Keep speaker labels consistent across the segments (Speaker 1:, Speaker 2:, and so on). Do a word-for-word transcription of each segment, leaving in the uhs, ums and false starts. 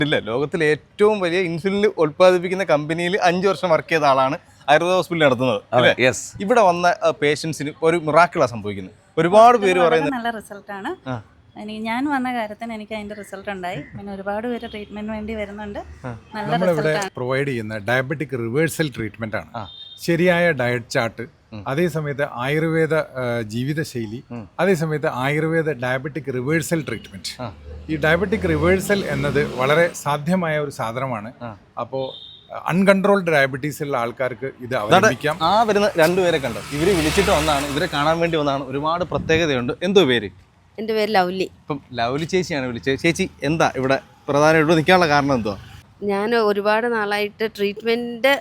Speaker 1: ഇല്ല, ലോകത്തിലെ ഏറ്റവും വലിയ ഇൻസുലിൻ ഉൽപ്പാദിപ്പിക്കുന്ന കമ്പനിയിൽ അഞ്ചു വർഷം വർക്ക് ചെയ്ത ആളാണ് ആയുർവേദ ഹോസ്പിറ്റലിൽ നടത്തുന്നത്. ഇവിടെ വന്ന പേഷ്യൻസിന് ഒരു മിറാക്കിളാണ് സംഭവിക്കുന്നത്. ഒരുപാട് പേര് പറയുന്നത്
Speaker 2: നല്ല റിസൾട്ടാണ്. എനിക്ക് ഞാൻ വന്ന കാര്യത്തിന് എനിക്ക് അതിന്റെ റിസൾട്ട് ഉണ്ടായി. പിന്നെ ഒരുപാട് പേര് ട്രീറ്റ്മെന്റ് വേണ്ടി വരുന്നുണ്ട്. നല്ല റിസൾട്ടാണ്
Speaker 3: പ്രൊവൈഡ് ചെയ്യുന്ന ഡയബറ്റിക് റിവേഴ്സൽ ട്രീറ്റ്മെന്റ് ആണ്. ശരിയായ ഡയറ്റ് ചാർട്ട്, അതേസമയത്ത് ആയുർവേദ ജീവിതശൈലി, അതേസമയത്ത് ആയുർവേദ ഡയബറ്റിക് റിവേഴ്സൽ ട്രീറ്റ്മെന്റ്. ഈ ഡയബറ്റിക് റിവേഴ്സൽ എന്നത് വളരെ സാധ്യമായ ഒരു സാധനമാണ്. അപ്പോൾ അൺകൺട്രോൾഡ് ഡയബറ്റീസ് ഉള്ള ആൾക്കാർക്ക് ഇത് അവലംബിക്കാം.
Speaker 1: ആ വരുന്ന രണ്ടുപേരെ കണ്ടോ, ഇവര് വിളിച്ചിട്ട് വന്നാണ്, ഇവരെ കാണാൻ വേണ്ടി വന്നാണ്. ഒരുപാട് പ്രത്യേകതയുണ്ട്. എന്തോ പേര്?
Speaker 4: എൻ്റെ പേര് ലവ്ലി.
Speaker 1: ഇപ്പം ലവ്ലി ചേച്ചിയാണ് വിളിച്ചത്. ചേച്ചി എന്താ ഇവിടെ പ്രധാനമായിട്ട് നിൽക്കാനുള്ള കാരണം എന്തോ?
Speaker 4: ഞാൻ ഒരുപാട് നാളായിട്ട് ട്രീറ്റ്മെന്റ്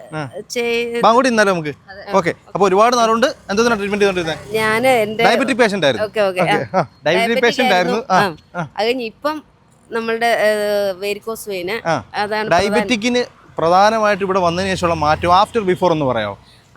Speaker 1: കൂടി ഇന്നാലും നമുക്ക് ഓക്കെ. അപ്പൊ ഒരുപാട് നാളുകൊണ്ട് എന്തോ ട്രീറ്റ്മെന്റ് ചെയ്തോണ്ടിരുന്നത്?
Speaker 4: ഞാൻ എന്റെ
Speaker 1: ഡയബറ്റിക് പേഷ്യന്റ് ആയിരുന്നു. ഡയബറ്റിക് പേഷ്യന്റ് ആയിരുന്നു.
Speaker 4: അത് കഴിഞ്ഞ് ഇപ്പം നമ്മളുടെ വെരിക്കോസ് വെയിന്, അതാണ്
Speaker 1: ഡയബറ്റിക്കിന് പ്രധാനമായിട്ട് ഇവിടെ വന്നതിന് ശേഷമുള്ള മാറ്റം ആഫ്റ്റർ ബിഫോർ എന്ന് പറയാമോ?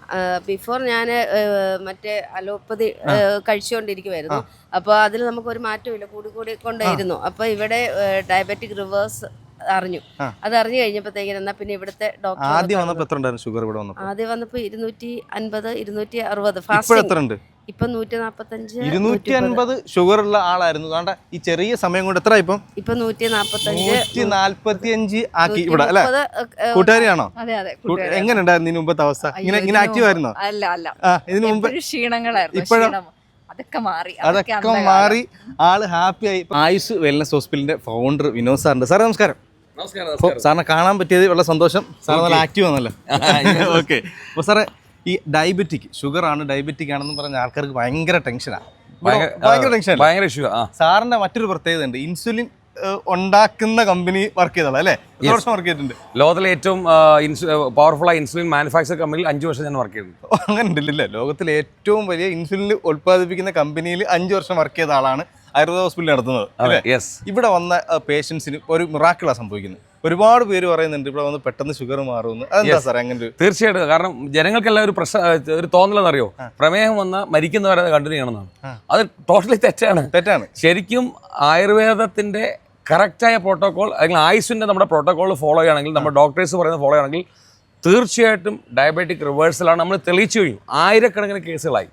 Speaker 4: ബിഫോർ ഞാൻ മറ്റേ അലോപ്പതി കഴിച്ചുകൊണ്ടിരിക്കുമായിരുന്നു. അപ്പോൾ അതിൽ നമുക്കൊരു മാറ്റമില്ല, കൂടി കൂടി കൊണ്ടേയിരുന്നു. അപ്പോൾ ഇവിടെ ഡയബറ്റിക് റിവേഴ്സ് അറിഞ്ഞു. അത് അറിഞ്ഞു കഴിഞ്ഞപ്പോഴത്തേക്കും എന്നാ പിന്നെ ഇവിടുത്തെ ഡോക്ടർ
Speaker 1: ആദ്യം വന്നപ്പോൾ എത്ര ഉണ്ടായിരുന്നു ഷുഗർ? ഇവിടെ വന്നപ്പോൾ
Speaker 4: ആദ്യം വന്നപ്പോൾ ഇരുന്നൂറ്റി അൻപത് ഇരുന്നൂറ്റി അറുപത് ഫാസ്റ്റ്. ഇപ്പൊ നൂറ്റി നാപ്പത്തഞ്ച്
Speaker 1: ഇരുന്നൂറ്റി അൻപത് ഷുഗർ ഉള്ള ആളായിരുന്നു. വേണ്ട ഈ ചെറിയ സമയം കൊണ്ട് എത്ര ഇപ്പം?
Speaker 4: ഇപ്പൊ നൂറ്റി നാപ്പത്തഞ്ച്
Speaker 1: നൂറ്റി നാൽപ്പത്തി അഞ്ച് ആക്കി ഇവിടെ അല്ലെ? കൂട്ടുകാരിയാണോ? എങ്ങനെ ഉണ്ടായിരുന്നു ഇതിന് മുമ്പത്തെ അവസ്ഥ? ഇങ്ങനെ ഇങ്ങനെ ആക്റ്റീവ് ആയിരുന്നോ?
Speaker 2: അല്ല അല്ല,
Speaker 1: ഇതിനു മുമ്പ്
Speaker 2: ക്ഷീണങ്ങളായിരുന്നു.
Speaker 1: ഇപ്പോഴും
Speaker 2: അതൊക്കെ മാറി
Speaker 1: അതൊക്കെ മാറി ആള് ഹാപ്പി ആയി. ആയുസ് വെൽനസ് ഹോസ്പിറ്റലിന്റെ ഫൗണ്ടർ വിനോദ് സാറിന്റെ. സാറേ നമസ്കാരം. സാറിനെ കാണാൻ പറ്റിയത് വളരെ സന്തോഷം. സാർ നല്ല ആക്റ്റീവ് ആണല്ലോ. ഓക്കെ. അപ്പോൾ സാറേ, ഈ ഡയബറ്റിക് ഷുഗർ ആണ് ഡയബറ്റിക് ആണെന്ന് പറഞ്ഞ ആൾക്കാർക്ക് ഭയങ്കര ടെൻഷനാണ്. ഭയങ്കര ടെൻഷൻ. ഭയങ്കര ഇഷ്യൂ. സാറിന്റെ മറ്റൊരു പ്രത്യേകത ഉണ്ട്, ഇൻസുലിൻ ഉണ്ടാക്കുന്ന കമ്പനി വർക്ക് ചെയ്തോളാം അല്ലേ? എത്ര വർഷം വർക്ക് ചെയ്തിട്ടുണ്ട്?
Speaker 5: ലോകത്തിലെ ഏറ്റവും പവർഫുൾ ആയ ഇൻസുലിൻ മാനുഫാക്ചർ കമ്പനിയിൽ അഞ്ചു വർഷം ഞാൻ വർക്ക് ചെയ്തിട്ടുണ്ട്.
Speaker 1: അങ്ങനെ ഉണ്ടല്ലേ? ലോകത്തിലെ ഏറ്റവും വലിയ ഇൻസുലിൻ ഉൽപ്പാദിപ്പിക്കുന്ന കമ്പനിയിൽ അഞ്ചു വർഷം വർക്ക് ചെയ്ത ആളാണ് ആയുർവേദ ഹോസ്പിറ്റലിൽ നടത്തുന്നത് അല്ലേ? ഇവിടെ വന്ന പേഷ്യൻസിന് ഒരു മിറാക്കിളാണ് സംഭവിക്കുന്നത്. ഒരുപാട് പേര് പറയുന്നുണ്ട് ഇവിടെ വന്ന് പെട്ടെന്ന് ഷുഗർ മാറുമെന്ന്. അതെന്താ സാർ അങ്ങനെ?
Speaker 5: തീർച്ചയായിട്ടും. കാരണം ജനങ്ങൾക്കെല്ലാം ഒരു പ്രശ്നം, ഒരു തോന്നലെന്നറിയോ, പ്രമേഹം വന്ന മരിക്കുന്നവരെ കണ്ടിന്യൂ ചെയ്യണമെന്നാണ്. അത് ടോട്ടലി തെറ്റാണ്.
Speaker 1: തെറ്റാണ്.
Speaker 5: ശരിക്കും ആയുർവേദത്തിന്റെ കറക്റ്റായ പ്രോട്ടോകോൾ അല്ലെങ്കിൽ ആയുസിന്റെ നമ്മുടെ പ്രോട്ടോകോൾ ഫോളോ ചെയ്യുകയാണെങ്കിൽ, നമ്മുടെ ഡോക്ടേഴ്സ് പറയുന്നത് ഫോളോ ചെയ്യുകയാണെങ്കിൽ തീർച്ചയായിട്ടും ഡയബറ്റിക് റിവേഴ്സലാണ് നമ്മൾ തെളിയിച്ചു കഴിഞ്ഞു. ആയിരക്കണക്കിന് കേസുകളായി.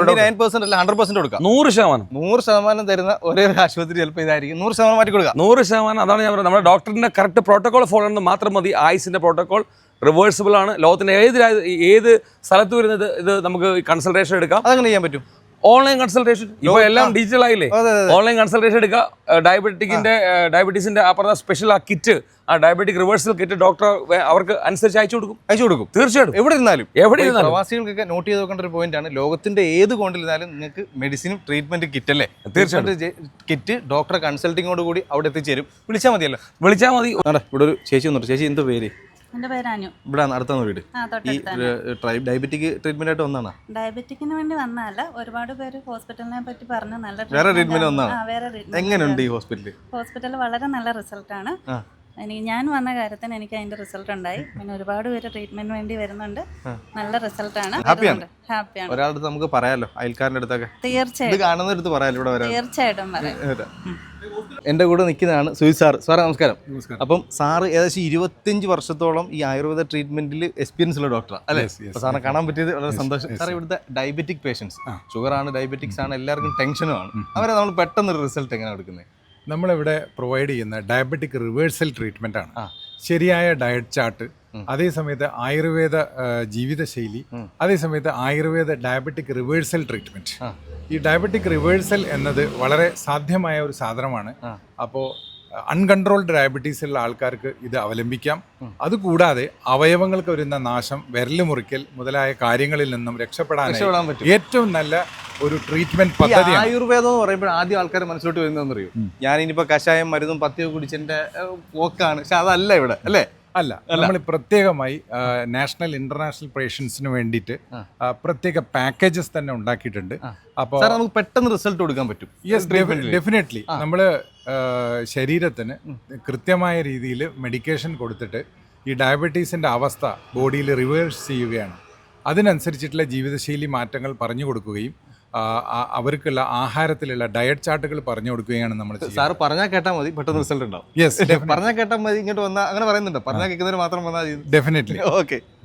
Speaker 5: നൂറ് ശതമാനം
Speaker 1: നൂറ് ശതമാനം തരുന്ന ഒരേ ആശുപത്രി ചിലപ്പോൾ ഇതായിരിക്കും. നൂറ് ശതമാനം മാറ്റി കൊടുക്കുക.
Speaker 5: നൂറ് ശതമാനം അതാണ് ഞാൻ പറയുന്നത്. നമ്മുടെ ഡോക്ടറിന്റെ കറക്റ്റ് പ്രോട്ടോകോൾ ഫോളോ ചെയ്യുന്നത് മാത്രം മതി. ആയുസിന്റെ പ്രോട്ടോകോൾ റിവേഴ്സിബിൾ ആണ്. ലോകത്തിന്റെ ഏത് ഏത് സ്ഥലത്ത് വരുന്നത് ഇത് നമുക്ക് കൺസൾട്ടേഷൻ എടുക്കാം.
Speaker 1: അതങ്ങനെ ചെയ്യാൻ പറ്റും.
Speaker 5: ഓൺലൈൻ കൺസൾട്ടേഷൻ ഇപ്പൊ എല്ലാം ഡിജിറ്റൽ ആയില്ലേ? ഓൺലൈൻ കൺസൾട്ടേഷൻ എടുക്കുക. ഡയബറ്റിക്കിന്റെ ഡയബറ്റീസിന്റെ ആ പറഞ്ഞ സ്പെഷ്യൽ ആ കിറ്റ്, ആ ഡയബറ്റിക് റിവേഴ്സൽ കിറ്റ് ഡോക്ടർ അവർക്ക് അനുസരിച്ച് അയച്ചു കൊടുക്കും.
Speaker 1: അയച്ചു കൊടുക്കും തീർച്ചയായിട്ടും. എവിടെ ഇരുന്നാലും
Speaker 5: എവിടെ ഇരുന്നാലും
Speaker 1: പ്രവാസികൾക്കൊക്കെ നോട്ട് ചെയ്ത് നോക്കേണ്ട ഒരു പോയിന്റ് ആണ്. ലോകത്തിന്റെ ഏത് കോണിലിരുന്നാലും നിങ്ങൾക്ക് മെഡിസിനും ട്രീറ്റ്മെന്റ് കിറ്റ് അല്ലേ?
Speaker 5: തീർച്ചയായിട്ടും
Speaker 1: കിറ്റ് ഡോക്ടറെ കൺസൾട്ടിങ്ങോട് കൂടി അവിടെ എത്തിച്ചേരും. വിളിച്ചാൽ മതിയല്ലോ.
Speaker 5: വിളിച്ചാൽ മതി.
Speaker 1: ഇവിടെ ഒരു ചേച്ചി വന്നിട്ട്. ചേച്ചി എന്തോ പേര്?
Speaker 2: എന്റെ പേര് അനു.
Speaker 1: ഇവിടെ അടുത്താണ് വീട്. ഈ ഡയബറ്റിക് ട്രീറ്റ്മെന്റ് ആയിട്ട് വന്നാണ്?
Speaker 2: ഡയബറ്റിക്കിന് വേണ്ടി വന്നതല്ല, ഒരുപാട് പേര് ഹോസ്പിറ്റലിനെ പറ്റി പറഞ്ഞു. നല്ല
Speaker 1: വേറെ ട്രീറ്റ്മെന്റ് വന്നാണ്. എങ്ങനെയുണ്ട് ഈ ഹോസ്പിറ്റൽ?
Speaker 2: ഹോസ്പിറ്റൽ വളരെ നല്ല റിസൾട്ടാണ്. എനിക്ക് ഞാൻ വന്ന കാര്യത്തിന് എനിക്ക് അതിന്റെ റിസൾട്ട് ഉണ്ടായി. പിന്നെ ഒരുപാട് പേര് ട്രീറ്റ്മെന്റ് വേണ്ടി വരുന്നുണ്ട്. നല്ല റിസൾട്ടാണ്.
Speaker 1: ഹാപ്പിയാണ്.
Speaker 2: ഹാപ്പിയാണ്.
Speaker 1: ഒരാളുടെ നമുക്ക് പറയാലോ, അയൽക്കാരന്റെ അടുത്തൊക്കെ
Speaker 2: തീർച്ചയായിട്ടും
Speaker 1: കാണുന്ന അടുത്ത് പറയാലോ. ഇവിടെ വരാം.
Speaker 2: തീർച്ചയായിട്ടും പറയാം.
Speaker 1: എൻ്റെ കൂടെ നിൽക്കുന്നതാണ് സുജിത് സാർ. സാറേ നമസ്കാരം. അപ്പം സാറ് ഏകദേശം ഇരുപത്തിയഞ്ച് വർഷത്തോളം ഈ ആയുർവേദ ട്രീറ്റ്മെന്റിൽ എക്സ്പീരിയൻസ് ഉള്ള ഡോക്ടറാണ് അല്ലേ? സാറിനെ കാണാൻ പറ്റിയത് വളരെ സന്തോഷം. സാർ ഇവിടുത്തെ ഡയബറ്റിക് പേഷ്യൻസ്, ഷുഗർ ആണ് ഡയബറ്റിക്സ് ആണ്, എല്ലാവർക്കും ടെൻഷനുമാണ്. അവരെ നമ്മൾ പെട്ടെന്ന് റിസൾട്ട് എങ്ങനെ എടുക്കുന്നത്?
Speaker 3: നമ്മളിവിടെ പ്രൊവൈഡ് ചെയ്യുന്ന ഡയബറ്റിക് റിവേഴ്സൽ ട്രീറ്റ്മെന്റ് ആണ്. ശരിയായ ഡയറ്റ് ചാർട്ട്, അതേസമയത്ത് ആയുർവേദ ജീവിതശൈലി, അതേസമയത്ത് ആയുർവേദ ഡയബറ്റിക് റിവേഴ്സൽ ട്രീറ്റ്മെന്റ്. ഈ ഡയബറ്റിക് റിവേഴ്സൽ എന്നത് വളരെ സാധ്യമായ ഒരു സാധനമാണ്. അപ്പോൾ അൺകൺട്രോൾഡ് ഡയബറ്റീസ് ഉള്ള ആൾക്കാർക്ക് ഇത് അവലംബിക്കാം. അതുകൂടാതെ അവയവങ്ങൾക്ക് വരുന്ന നാശം, വിരല് മുറിക്കൽ മുതലായ കാര്യങ്ങളിൽ നിന്നും രക്ഷപ്പെടാൻ ഏറ്റവും നല്ല ഒരു ട്രീറ്റ്മെന്റ് പദ്ധതി.
Speaker 1: ആയുർവേദം എന്ന് പറയുമ്പോൾ ആദ്യം ആൾക്കാർ മനസ്സിലോട്ട് വരുന്നതെന്ന് അറിയൂ, ഞാനിനിപ്പോ കഷായം മരുന്നും പത്തിയൊക്കെ കുടിച്ചതിന്റെ പോക്കാണ്. പക്ഷെ അതല്ല ഇവിടെ അല്ലേ?
Speaker 3: അല്ല, നമ്മൾ പ്രത്യേകമായി നാഷണൽ ഇന്റർനാഷണൽ പേഷ്യൻസിന് വേണ്ടിയിട്ട് പ്രത്യേക പാക്കേജസ് തന്നെ ഉണ്ടാക്കിയിട്ടുണ്ട്. അപ്പോൾ
Speaker 1: നമുക്ക് പെട്ടെന്ന് റിസൾട്ട് കൊടുക്കാൻ പറ്റും.
Speaker 3: Yes, definitely. നമ്മൾ ശരീരത്തിന് കൃത്യമായ രീതിയിൽ മെഡിക്കേഷൻ കൊടുത്തിട്ട് ഈ ഡയബറ്റീസിൻ്റെ അവസ്ഥ ബോഡിയിൽ റിവേഴ്സ് ചെയ്യുകയാണ്. അതിനനുസരിച്ചിട്ടുള്ള ജീവിതശൈലി മാറ്റങ്ങൾ പറഞ്ഞു കൊടുക്കുകയും ആ, ആ, അവർക്കുള്ള ആഹാരത്തിലുള്ള ഡയറ്റ് ചാർട്ടുകൾ പറഞ്ഞു കൊടുക്കുകയാണ് നമ്മൾ ചെയ്യുന്നത്.
Speaker 1: സാറ് പറഞ്ഞാൽ കേട്ടാൽ മതി, പെട്ടെന്ന് റിസൾട്ട് ഉണ്ടാവും.
Speaker 3: യെസ്,
Speaker 1: പറഞ്ഞാൽ കേട്ടാൽ മതി, ഇങ്ങോട്ട് വന്നാൽ അങ്ങനെ പറയുന്നുണ്ട്, പറഞ്ഞാൽ കേൾക്കുന്നവർ മാത്രം വന്നാൽ
Speaker 3: ഡെഫിനറ്റ്ലി.
Speaker 1: ഓക്കെ.